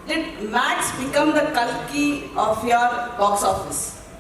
did Max become the Kalki of your box office?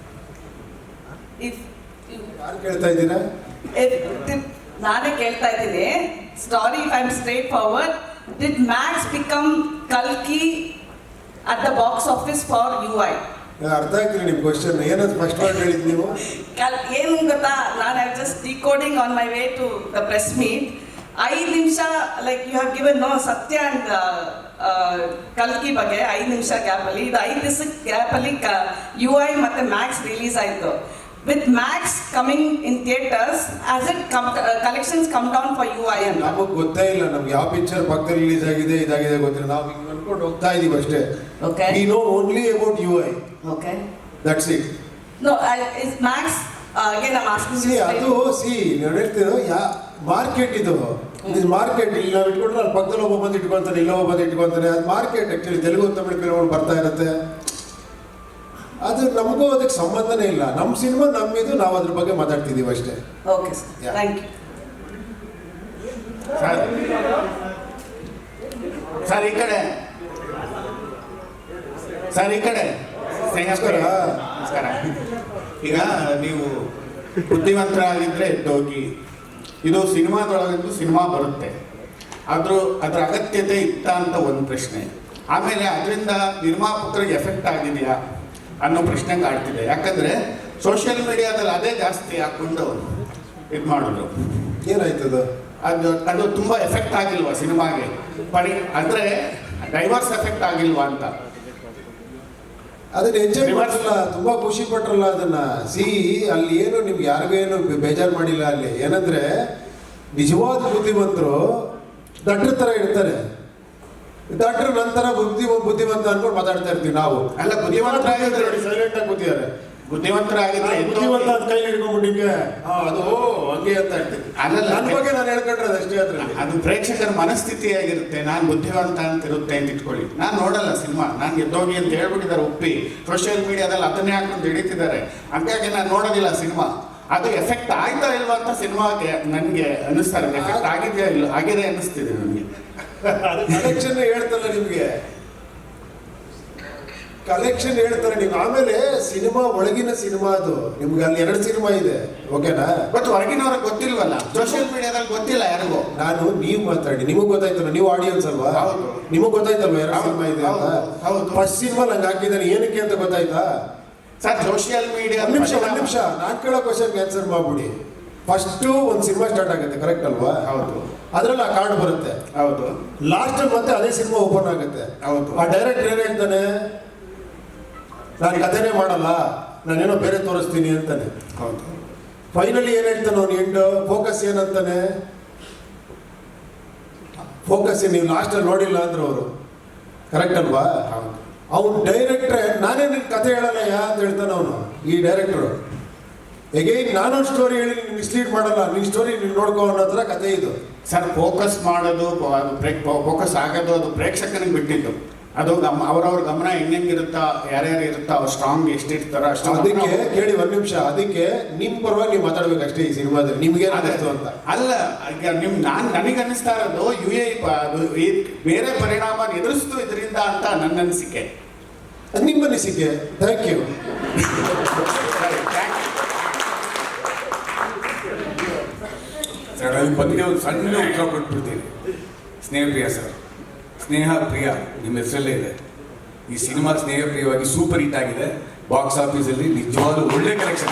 If ಯಾರು ಕೇಳ್ತಾ ಇದ್ದೀರಾ? ನಾನೇ ಕೇಳ್ತಾ ಇದ್ದೀನಿ. Story, if I'm straightforward, did Max become Kalki at the box office for UI? ಅರ್ಥ ಆಗ್ತಿಲ್ಲ ನಿಮ್ಮ ಕ್ವಶನ್. ಏನದು ಸ್ಪಷ್ಟವಾಗಿ ಹೇಳಿದ್ದು ನೀವು? ಏನು ಗೊತ್ತಾ, ನಾನು I just decoding on my way to the press meet. 5 ನಿಮಿಷ like you have given no Satya and ಕಲ್ಕಿ ಬಗ್ಗೆ 5 ನಿಮಿಷ ಗ್ಯಾಪಲ್ಲಿ, ಇದು 5 ದಿವಸದ ಗ್ಯಾಪಲ್ಲಿ UI ಮತ್ತು ಮ್ಯಾಕ್ಸ್ ರಿಲೀಸ್ ಆಯಿತು. With Max coming in theatres as it collections come down for UI ಅಂತ ನಮಗೆ ಗೊತ್ತೇ ಇಲ್ಲ. ನಮ್ಗೆ ಯಾವ ಪಿಕ್ಚರ್ ಪಕ್ಕದಲ್ಲಿ ರಿಲೀಸ್ ಆಗಿದೆ ಇದಾಗಿದೆ ಗೊತ್ತಿಲ್ಲ. ನಾವು ಹಿಂಗೆ ಅನ್ಕೊಂಡು ಹೋಗ್ತಾ ಇದೀವಿ ಅಷ್ಟೇ. Okay, we know only about UI. Okay, that's it. No is Max again I am asking see ಅದು ನಾನು ಹೇಳ್ತಿರೋ ಮಾರ್ಕೆಟ್ ಇದು ಮಾರ್ಕೆಟ್. ಇಲ್ಲಿ ನಾವು ಇಟ್ಕೊಂಡ್ರೆ ಅಲ್ಲಿ ಪಕ್ಕದಲ್ಲಿ ಒಬ್ಬ ಬಂದು ಇಟ್ಕೊಳ್ತಾನೆ, ಇಲ್ಲ ಒಬ್ಬ ಬಂದು ಇಟ್ಕೊಳ್ತಾನೆ. ಅದು ಮಾರ್ಕೆಟ್. ಆ್ಯಕ್ಚುಲಿ ತೆಲುಗು ತಮಿಳು ಫಿಲ್ಮ್ಗಳು ಬರ್ತಾ ಇರುತ್ತೆ. ಅದು ನಮಗೂ ಅದಕ್ಕೆ ಸಂಬಂಧನೇ ಇಲ್ಲ. ನಮ್ಮ ಸಿನಿಮಾ ನಮ್ಮಿದು, ನಾವು ಅದ್ರ ಬಗ್ಗೆ ಮಾತಾಡ್ತಿದ್ದೀವಿ ಅಷ್ಟೇ. Okay sir, thank you. Sir ಈ ಕಡೆ, ಸರ್ ಈ ಕಡೆ. ನಮಸ್ಕಾರ. ನಮಸ್ಕಾರ. ಈಗ ನೀವು ಬುದ್ಧಿವಂತರಾಗಿದ್ದರೆ ಎದ್ದೋಗಿ. ಇದು ಸಿನಿಮಾದೊಳಗಂತೂ ಸಿನಿಮಾ ಬರುತ್ತೆ. ಅದ್ರ ಅಗತ್ಯತೆ ಇತ್ತ ಅಂತ ಒಂದು ಪ್ರಶ್ನೆ. ಆಮೇಲೆ ಅದರಿಂದ ನಿರ್ಮಾಪಕರಿಗೆ ಎಫೆಕ್ಟ್ ಆಗಿದೆಯಾ ಅನ್ನೋ ಪ್ರಶ್ನೆ ಕಾಡ್ತಿದೆ. ಯಾಕಂದರೆ ಸೋಷಿಯಲ್ ಮೀಡಿಯಾದಲ್ಲಿ ಅದೇ ಜಾಸ್ತಿ ಹಾಕ್ಕೊಂಡು ಇದು ಮಾಡೋದು. ಏನಾಯ್ತದ? ಅದು ತುಂಬ ಎಫೆಕ್ಟ್ ಆಗಿಲ್ವಾ ಸಿನಿಮಾಗೆ? ಅಂದರೆ ಡೈವರ್ಸ್ ಎಫೆಕ್ಟ್ ಆಗಿಲ್ವಾ ಅಂತ. ಅದನ್ನ ಎಂಜಾಯ್ ಮಾಡಿರಲ್ಲ, ತುಂಬಾ ಖುಷಿ ಪಟ್ರಲ್ಲ ಅದನ್ನ. ಅಲ್ಲಿ ಏನು ನಿಮ್ಗೆ ಯಾರಿಗೂ ಏನು ಬೇಜಾರು ಮಾಡಿಲ್ಲ. ಅಲ್ಲಿ ಏನಂದ್ರೆ ನಿಜವಾದ ಬುದ್ಧಿವಂತರು ದಡ್ರ ತರ ಇರ್ತಾರೆ. ದಡ್ರ ನಂತರ ಬುದ್ಧಿವಂತ ಅನ್ಕೊಂಡು ಮಾತಾಡ್ತಾ ಇರ್ತೀವಿ ನಾವು. ಅಲ್ಲ, ಬುದ್ಧಿವಂತರಾಗಿದ್ರೆ ಸೈಲೆಂಟ್ ಆಗಿ ಕೂತಿದ್ದಾರೆ. ಬುದ್ಧಿವಂತರಾಗಿದ್ರೆ ಬುದ್ಧಿವಂತ ಅಂತ ಕೈ ಹಿಡ್ಕೊಂಡ್ಬಿಟ್ಟು ಹಿಂಗೆ ಅದು ಹಂಗೆ ಅಂತ ಹೇಳ್ತೀವಿ. ಅಲ್ಲಲ್ಲ, ನನ್ನ ಬಗ್ಗೆ ನಾನು ಹೇಳ್ಕೊಂಡ್ರೆ ಅದಷ್ಟೇ. ಅದ್ರಲ್ಲಿ ಅದು ಪ್ರೇಕ್ಷಕರ ಮನಸ್ಥಿತಿಯಾಗಿರುತ್ತೆ. ನಾನು ಬುದ್ಧಿವಂತ ಅಂತ ಇರುತ್ತೆ ಅಂತ ಇಟ್ಕೊಳ್ಳಿ. ನಾನು ನೋಡಲ್ಲ ಸಿನಿಮಾ. ನಾನು ಎದ್ದೋಗಿ ಅಂತ ಹೇಳ್ಬಿಟ್ಟಿದ್ದಾರೆ ಒಪ್ಪಿ. ಸೋಷಿಯಲ್ ಮೀಡಿಯಾದಲ್ಲಿ ಅದನ್ನೇ ಹಾಕೊಂಡು ಹಿಡಿತಿದ್ದಾರೆ. ಹಂಗಾಗಿ ನಾನು ನೋಡೋದಿಲ್ಲ ಸಿನಿಮಾ. ಅದು ಎಫೆಕ್ಟ್ ಆಯ್ತಾ ಇಲ್ವಾ ಅಂತ ಸಿನಿಮಾಗೆ ನನಗೆ ಅನ್ನಿಸ್ತಾರೆ. ಎಫೆಕ್ಟ್ ಆಗಿದೆಯಾ ಇಲ್ಲ ಆಗಿದೆ ಅನ್ನಿಸ್ತಿದೆ ನನಗೆ. ಕಲೆಕ್ಷನ್ ಹೇಳ್ತಲ್ಲ ನಿಮ್ಗೆ, ಕಲೆಕ್ಷನ್ ಹೇಳ್ತಾರೆ ನೀವು. ಆಮೇಲೆ ಸಿನಿಮಾ ಒಳಗಿನ ಸಿನಿಮಾ ಅದು. ನಿಮ್ಗೆ ಅಲ್ಲಿ 2 ಸಿನಿಮಾ ಇದೆ, ಓಕೆನಾ? ಬಟ್ ಹೊರಗಿನವ್ರಿಗೆ ಗೊತ್ತಿಲ್ವಲ್ಲ, ಸೋಷಿಯಲ್ ಮೀಡಿಯಾದಲ್ಲಿ ಗೊತ್ತಿಲ್ಲ ಯಾರಿಗೂ. ನೀವು ಮಾತಾಡಿ, ನಿಮಗೆ ಗೊತ್ತಾಯ್ತಲ್ಲ, ನೀವು ಆಡಿಯನ್ಸ್ ಅಲ್ವಾ? ಹೌದು. ನಿಮಗೆ ಗೊತ್ತಾಯ್ತಲ್ವಾ 2 ಸಿನಿಮಾ ಇದೆ ಅಂತ? ಹೌದು. ಫಸ್ಟ್ ಸಿನಿಮಾ ನಂಗೆ ಹಾಕಿದ್ದಾನೆ ಏನಕ್ಕೆ ಅಂತ ಗೊತ್ತಾಯ್ತಾ? Sir social media. ಒಂದು ನಿಮಿಷ ನಾನು ಕೇಳೋ ಕ್ವಶನ್ಗೆ ಆನ್ಸರ್ ಮಾಡ್ಬಿಡಿ. ಫಸ್ಟು ಒಂದು ಸಿನಿಮಾ ಸ್ಟಾರ್ಟ್ ಆಗುತ್ತೆ, ಕರೆಕ್ಟ್ ಅಲ್ವಾ? ಹೌದು. ಅದ್ರಲ್ಲಿ ಆ ಕಾರ್ಡ್ ಬರುತ್ತೆ. ಹೌದು. ಲಾಸ್ಟಲ್ಲಿ ಮತ್ತೆ ಅದೇ ಸಿನಿಮಾ ಓಪನ್ ಆಗುತ್ತೆ. ಹೌದು. ಆ ಡೈರೆಕ್ಟರ್ ಏನ್ ಹೇಳ್ತಾನೆ? ನಾನು ಕಥೆನೇ ಮಾಡಲ್ಲ, ನಾನೇನೋ ಬೇರೆ ತೋರಿಸ್ತೀನಿ ಅಂತಾನೆ. ಹೌದು. ಫೈನಲಿ ಏನ್ ಹೇಳ್ತಾನೆ ಅವ್ನು? End focus ಏನಂತಾನೆ? ಫೋಕಸ್ ನೀವು ಲಾಸ್ಟಲ್ಲಿ ನೋಡಿಲ್ಲ ಅಂದ್ರೆ ಅವರು, ಕರೆಕ್ಟ್ ಅಲ್ವಾ? ಹೌದು. ಅವ್ನು ಡೈರೆಕ್ಟ್ರೆ ನಾನೇ ನಿನ್ ಕತೆ ಹೇಳಲ್ಲ ಅಂತ ಹೇಳ್ತಾನೆ ಅವನು, ಈ ಡೈರೆಕ್ಟರ್. ಎಗೈನ್ ನಾನೊಂದು ಸ್ಟೋರಿ ಹೇಳಿ ಮಿಸ್ಲೀಡ್ ಮಾಡಲ್ಲ, ನಿನ್ ಸ್ಟೋರಿ ನೀನು ನೋಡ್ಕೋ ಅನ್ನೋ ಥರ ಕತೆ ಇದು. ಸರ್ ಫೋಕಸ್ ಮಾಡೋದು, ಅದು ಫೋಕಸ್ ಆಗೋದು ಅದು ಪ್ರೇಕ್ಷಕನಿಗೆ ಬಿಟ್ಟಿದ್ದು. ಅದು ಅವ್ರವ್ರ ಗಮನ ಹೆಂಗಿರುತ್ತಾ, ಯಾರ್ಯಾರು ಇರುತ್ತಾ, ಅವ್ರು ಸ್ಟ್ರಾಂಗ್ ಎಷ್ಟಿರ್ತಾರೋ ಅಷ್ಟು. ಅದಕ್ಕೆ ಕೇಳಿ 1 ನಿಮಿಷ, ಅದಕ್ಕೆ ನಿಮ್ಮ ಪರವಾಗಿ ನೀವು ಮಾತಾಡ್ಬೇಕಷ್ಟೇ ಈ ಸಿನಿಮಾದಲ್ಲಿ. ನಿಮ್ಗೆ ಅನ್ನಿಸ್ತು ಅಂತ ಅಲ್ಲ, ಈಗ ನನಗೆ ಅನ್ನಿಸ್ತಾ ಇರೋದು ಈ ಬೇರೆ ಪರಿಣಾಮ ಎದುರಿಸ್ತು ಇದರಿಂದ ಅಂತ ನನ್ನ ಅನಿಸಿಕೆ. ನಿಮ್ಮ ಅನಿಸಿಕೆ. Thank you. ಸರ್ ಅದ್ರ ಬಗ್ಗೆ ಒಂದು ಸಣ್ಣ ಉತ್ತರ ಕೊಟ್ಬಿಡ್ತೀನಿ. ಸ್ನೇಹಪ್ರಿಯ ಸರ್, ಸ್ನೇಹ ಪ್ರಿಯ ನಿಮ್ಮ ಹೆಸರಲ್ಲೇ ಇದೆ. ಈ ಸಿನಿಮಾ ಸ್ನೇಹಪ್ರಿಯವಾಗಿ ಸೂಪರ್ ಹಿಟ್ ಆಗಿದೆ. ಬಾಕ್ಸ್ ಆಫೀಸಲ್ಲಿ ನಿಜವಾಗ್ಲೂ ಒಳ್ಳೆ ಕಲೆಕ್ಷನ್.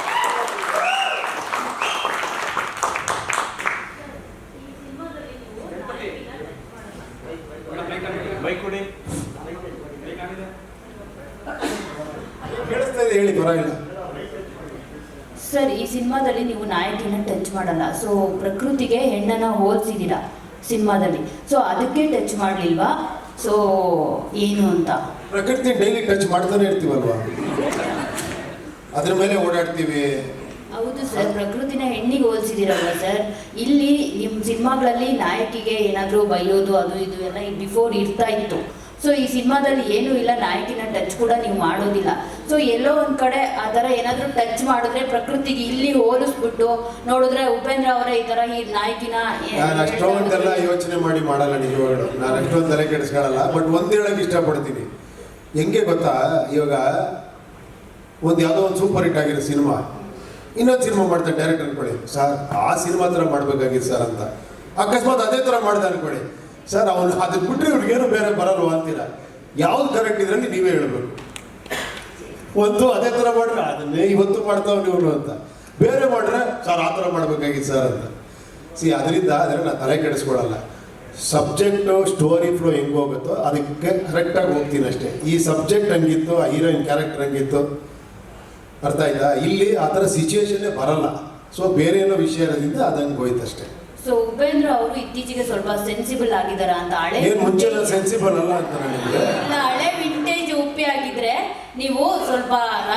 ಕೇಳಿಸ್ತಾ ಇದೆ, ಹೇಳಿ, ಪರವಾಗಿಲ್ಲ. ಸರ್, ಈ ಸಿನಿಮಾದಲ್ಲಿ ನೀವು ನಾಯಕಿನ ಟಚ್ ಮಾಡಲ್ಲ. ಸೊ ಪ್ರಕೃತಿಗೆ ಹೆಣ್ಣನ್ನು ಹೋಲಿಸಿದ್ದೀರಾ ಸಿನಿಮಾದಲ್ಲಿ. ಸೊ ಅದಕ್ಕೆ ಟಚ್ ಮಾಡಲಿಲ್ವಾ? ಸೊ ಏನು ಅಂತ? ಪ್ರಕೃತಿ ಡೈಲಿ ಟಚ್ ಮಾಡ್ತಾನೆ ಇರ್ತೀವಲ್ವಾ, ಅದ್ರ ಮೇಲೆ ಓಡಾಡ್ತೀವಿ. ಹೌದು ಸರ್, ಪ್ರಕೃತಿನ ಹೆಣ್ಣಿಗೆ ಹೋಲಿಸಿದಿರಲ್ವ ಸರ್? ಇಲ್ಲಿ ನಿಮ್ಮ ಸಿನಿಮಾಗಳಲ್ಲಿ ನಾಯಕಿಗೆ ಏನಾದರೂ ಬೈಯೋದು ಅದು ಇದು ಎಲ್ಲ ಬಿಫೋರ್ ಇರ್ತಾ ಇತ್ತು. ಸೊ ಈ ಸಿನಿಮಾದಲ್ಲಿ ಏನೂ ಇಲ್ಲ, ನಾಯಕಿನ ಟಚ್ ಕೂಡ ನೀವು ಮಾಡೋದಿಲ್ಲ. ಸೊ ಎಲ್ಲೋ ಒಂದು ಕಡೆ ಆ ಥರ ಏನಾದರೂ ಟಚ್ ಮಾಡಿದ್ರೆ ಪ್ರಕೃತಿಗೆ ಇಲ್ಲಿ ಹೋಲಿಸ್ಬಿಟ್ಟು ನೋಡಿದ್ರೆ ಉಪೇಂದ್ರ ಅವರೇ ಈ ಥರ ಈ ನಾಯಕಿನ ನಾನು ಅಷ್ಟೊಂದೆಲ್ಲ ಯೋಚನೆ ಮಾಡಿ ಮಾಡಲ್ಲ ನಿಜವಾಗ್ಲು. ನಾನು ಅಷ್ಟೊಂದು ತಲೆ ಕೆಡಿಸ್ಕೊಳ್ಳಲ್ಲ. ಬಟ್ ಒಂದು ಹೇಳಕ್ಕೆ ಇಷ್ಟಪಡ್ತೀನಿ. ಹೆಂಗೆ ಗೊತ್ತಾ, ಇವಾಗ ಒಂದು ಯಾವುದೋ ಒಂದು ಸೂಪರ್ ಹಿಟ್ ಆಗಿರೋ ಸಿನಿಮಾ ಇನ್ನೊಂದು ಸಿನಿಮಾ ಮಾಡ್ತಾರೆ ಡೈರೆಕ್ಟ್ ಅನ್ಕೊಳ್ಳಿ, ಸರ್ ಆ ಸಿನಿಮಾ ಥರ ಮಾಡ್ಬೇಕಾಗಿತ್ತು ಸರ್ ಅಂತ. ಅಕಸ್ಮಾತ್ ಅದೇ ಥರ ಮಾಡಿದೆ ಅನ್ಕೊಳ್ಳಿ, ಸರ್ ಅವನು ಅದನ್ನ ಬಿಟ್ಟರೆ ಇವ್ರಿಗೇನು ಬೇರೆ ಬರಲ್ವ ಅಂತೀರ. ಯಾವ್ದು ಕರೆಕ್ಟ್ ಇದರಲ್ಲಿ ನೀವೇ ಹೇಳ್ಬೇಕು. ಒಂದು ಅದೇ ಥರ ಮಾಡ್ರೆ ಅದನ್ನೇ ಇವತ್ತು ಮಾಡ್ತಾವ್ ನೀವು ಅಂತ, ಬೇರೆ ಮಾಡ್ರೆ ಸರ್ ಆ ಥರ ಮಾಡ್ಬೇಕಾಗಿತ್ತು ಸರ್ ಅಂತ. ಅದರಿಂದ ನಾನು ತಲೆ ಕೆಡಿಸ್ಕೊಡಲ್ಲ. ಸಬ್ಜೆಕ್ಟು ಸ್ಟೋರಿ ಫ್ಲೋ ಹೆಂಗೆ ಹೋಗುತ್ತೋ ಅದಕ್ಕೆ ಕರೆಕ್ಟಾಗಿ ಹೋಗ್ತೀನಿ ಅಷ್ಟೇ. ಈ ಸಬ್ಜೆಕ್ಟ್ ಹಂಗಿತ್ತು, ಆ ಹೀರೋಯಿನ್ ಕ್ಯಾರೆಕ್ಟರ್ ಹಂಗಿತ್ತು, ಅರ್ಥ ಆಯ್ತಾ. ಇಲ್ಲಿ ಆ ಥರ ಸಿಚುವೇಶನ್ನೇ ಬರಲ್ಲ. ಸೊ ಬೇರೆ ಏನೋ ವಿಷಯ ಇರೋದ್ರಿಂದ ಅದಂಗೆ ಹೋಯ್ತು ಅಷ್ಟೇ. ಸೊ ಉಪೇಂದ್ರ ಅವರು ಇತ್ತೀಚೆಗೆ ಸ್ವಲ್ಪ ಸೆನ್ಸಿಬಲ್ ಆಗಿದಾರ ಅಂತ. ಹಳೆ ಏನು ಮುಂಚೆ ಸೆನ್ಸಿಬಲ್ ಅಲ್ಲ ಅಂತ ನನಗೆ. ಇಲ್ಲ, ಹಳೆ ವಿಂಟೇಜ್ ಉಪ್ಪಿ ಆಗಿದ್ರೆ ನೀವು ಸ್ವಲ್ಪ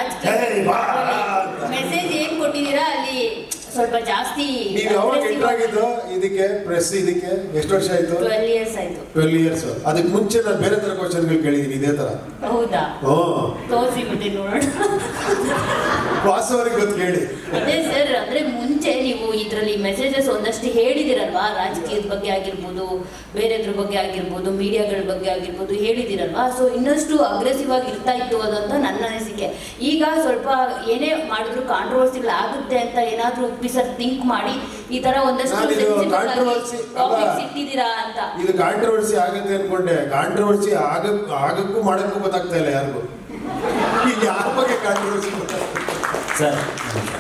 ಮೆಸೇಜ್ ಏನ್ ಕೊಟ್ಟಿದ್ದೀರಾ ಅಲ್ಲಿ ಸ್ವಲ್ಪ ಜಾಸ್ತಿ. ನೀವು ಯಾವಾಗ ಎಂಟರ್ ಆಗಿದ್ದು ಇದಕ್ಕೆ ಪ್ರೆಸ್ ಇದಕ್ಕೆ ಎಷ್ಟು ವರ್ಷ ಆಯ್ತು? 12 years ಆಯ್ತು. 12 years. ಅದಕ್ಕೆ ಮುಂಚೆ ನಾನು ಬೇರೆ ಥರ ಕ್ವಶನ್ಗಳು ಕೇಳಿದ್ದೀನಿ ಇದೇ ಥರ. ಹೌದಾ? ತೋರಿಸಿ ಬಿಟ್ಟು ನೋಡೋಣ. ವಾಸವರಿಗೆ ಗೊತ್ತು ಕೇಳಿ. ಅದೇ ಸರ್, ಅಂದ್ರೆ ಮುಂಚೆ ನೀವು ಇದರಲ್ಲಿ ಮೆಸೇಜಸ್ ಒಂದಷ್ಟು ಹೇಳಿದಿರಲ್ವಾ, ರಾಜಕೀಯದ ಬಗ್ಗೆ ಆಗಿರ್ಬೋದು, ಬೇರೆದ್ರ ಬಗ್ಗೆ ಆಗಿರ್ಬೋದು, ಮೀಡಿಯಾಗಳ ಬಗ್ಗೆ ಆಗಿರ್ಬೋದು ಹೇಳಿದಿರಲ್ವಾ. ಸೊ ಇನ್ನಷ್ಟು ಅಗ್ರೆಸಿವ್ ಆಗಿ ಇರ್ತಾ ಇತ್ತು ಅದಂತ ನನ್ನ ಅನಿಸಿಕೆ. ಈಗ ಸ್ವಲ್ಪ ಏನೇ ಮಾಡಿದ್ರು ಕಾಂಟ್ರವರ್ಸಿಗಳು ಆಗುತ್ತೆ ಅಂತ ಏನಾದ್ರೂ ಸರ್ ಥಿಂಕ್ ಮಾಡಿ ಈ ತರ ಒಂದಷ್ಟು ಟಾಪಿಕ್ಸ್ ಇಟ್ಟಿದ್ದೀರಾ ಅಂತ. ಇದು ಕಾಂಟ್ರವರ್ಸಿ ಆಗುತ್ತೆ ಅನ್ಕೊಂಡೆ. ಕಾಂಟ್ರವರ್ಸಿ ಆಗಕ್ಕೂ ಮಾಡಕ್ಕೂ ಗೊತ್ತಾಗ್ತಾ ಇಲ್ಲ ಯಾರಿಗೂ. ಈಗ ಯಾರ ಬಗ್ಗೆ ಕಾಂಟ್ರವರ್ಸಿ ಗೊತ್ತಾಗ್ತದೆ ಸರ್